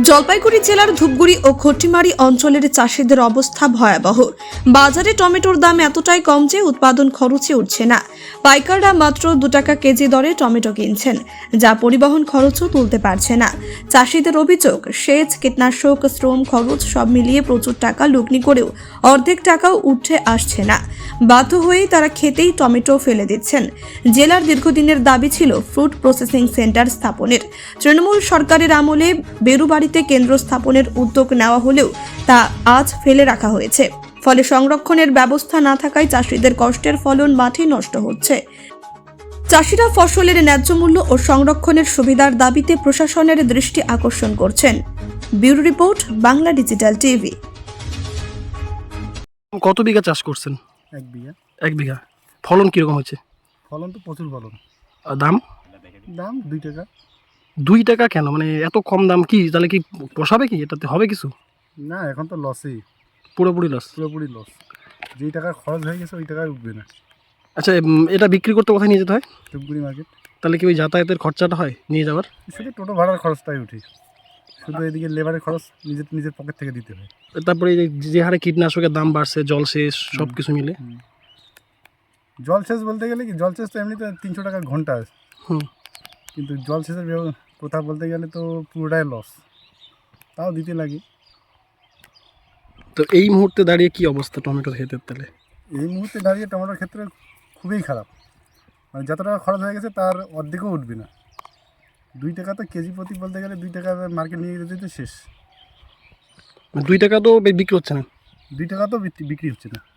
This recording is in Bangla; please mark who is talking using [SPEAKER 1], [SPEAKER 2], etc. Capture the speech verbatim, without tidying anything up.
[SPEAKER 1] জলপাইগুড়ি জেলার ধূপগুড়ি ও খটিমারি অঞ্চলের চাষিদের অবস্থা ভয়াবহ। বাজারে টমেটোর দাম এতটাই কম যে উৎপাদন খরচে উঠছে না। পাইকাররা মাত্র দু টাকা কেজি দরে টমেটো কিনছেন, যা পরিবহন খরচও তুলতে পারছে না। চাষিদের অভিযোগ, সেচ, কীটনাশক, শ্রম খরচ সব মিলিয়ে প্রচুর টাকা লগ্নি করেও অর্ধেক টাকাও উঠে আসছে না। বাধ্য হয়েই তারা খেতেই টমেটো ফেলে দিচ্ছেন। জেলার দীর্ঘদিনের দাবি ছিল ফ্রুট প্রসেসিং সেন্টার স্থাপনের। তৃণমূল সরকারের আমলে বেরুবাড়িতে কেন্দ্র স্থাপনের উদ্যোগ নেওয়া হলেও তা আজ ফেলে রাখা হয়েছে। ফলে সংরক্ষণের ব্যবস্থা না থাকায় চাষিদের কষ্টের ফলন মাঠে নষ্ট হচ্ছে। চাষিরা ফসলের ন্যায্য মূল্য ও সংরক্ষণের সুবিধার দাবিতে প্রশাসনের দৃষ্টি আকর্ষণ করছেন। Bureau report, Bangla digital TV.
[SPEAKER 2] কত বিঘা চাষ করছেন?
[SPEAKER 3] এক বিঘা।
[SPEAKER 2] এক বিঘা। ফলন কিরকম হচ্ছে?
[SPEAKER 3] ফলন তো প্রচুর ফলন।
[SPEAKER 2] আর দাম?
[SPEAKER 3] দাম দুই টাকা।
[SPEAKER 2] দুই টাকা কেন? মানে এত কম দাম কি? তাহলে কি পোষাবে কি? এটাতে হবে কিছু?
[SPEAKER 3] না, এখন তো লসই,
[SPEAKER 2] পুরোপুরি লস।
[SPEAKER 3] পুরোপুরি লস। যেই টাকা খরচ হয়ে গেছে ওই টাকায় উঠবে না।
[SPEAKER 2] আচ্ছা, উম, এটা বিক্রি করতে কোথায় নিয়ে যেতে হয়?
[SPEAKER 3] ধূপগুড়ি মার্কেট।
[SPEAKER 2] তাহলে কি ওই যাতায়াতের খরচাটা হয় নিয়ে যাওয়ার?
[SPEAKER 3] শুধু টোটো ভাড়ার খরচটাই উঠে, শুধু এদিকে লেবারের খরচ নিজের নিজের পকেট থেকে দিতে হয়।
[SPEAKER 2] তারপরে এই যে- যে হারে কীটনাশকের দাম বাড়ছে, জলসেচ সব কিছু মিলে।
[SPEAKER 3] জলসেচ বলতে গেলে কি, জলসেচ তো এমনিতে তিনশো টাকা ঘন্টা,
[SPEAKER 2] হুম।
[SPEAKER 3] কিন্তু জলসেচের ব্যব- কথা বলতে গেলে তো পুরোটাই লস, তাও দিতে লাগে।
[SPEAKER 2] তো এই মুহূর্তে দাঁড়িয়ে কি অবস্থা টমেটো ক্ষেতের? তাহলে
[SPEAKER 3] এই মুহূর্তে দাঁড়িয়ে টমেটোর ক্ষেত্রে খুবই খারাপ। মানে যত টাকা খরচ হয়ে গেছে তার অর্ধেকও উঠবে না। দুই টাকা তো কেজি প্রতি বলতে গেলে দুই টাকা মার্কেট নিয়ে যেতে তো শেষ।
[SPEAKER 2] দুই টাকা তো বে- বিক্রি হচ্ছে না।
[SPEAKER 3] দুই টাকা তো বিক্রি বিক্রি হচ্ছে না।